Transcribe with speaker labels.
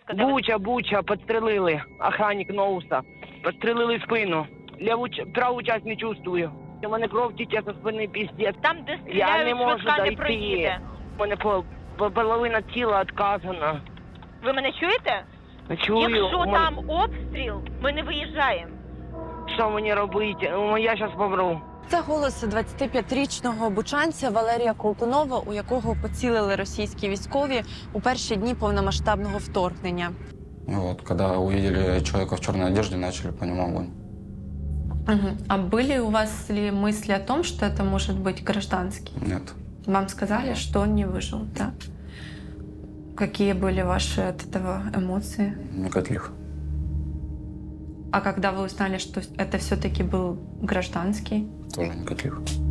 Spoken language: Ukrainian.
Speaker 1: ласка, де ви?
Speaker 2: Буча, підстрелили. Охранник Ноуса. Підстрелили спину. Праву часть не чувствую. У мене кров тече зі спини, піздець.
Speaker 1: Там, де
Speaker 2: Я
Speaker 1: стріляють,
Speaker 2: не можу
Speaker 1: швидка не
Speaker 2: дойти.
Speaker 1: проїде.
Speaker 2: У мене половина тіла відказана.
Speaker 1: Ви мене чуєте?
Speaker 2: Чую.
Speaker 1: Якщо
Speaker 2: у мене-
Speaker 1: там обстріл, ми не виїжджаємо.
Speaker 2: Що мені робити? Я зараз помру.
Speaker 3: Це голос 25-річного бучанця Валерія Колтунова, у якого поцілили російські військові у перші дні повномасштабного вторгнення.
Speaker 4: Вот, когда увидели человека в черной одежде, начали по нему огонь.
Speaker 5: А были у вас ли мысли о том, что это может быть гражданский?
Speaker 4: Нет.
Speaker 5: Вам сказали, что он не выжил, да? Какие были ваши от этого эмоции?
Speaker 4: Никаких.
Speaker 5: А когда вы узнали, что это все-таки был гражданский?
Speaker 4: Тоже никаких.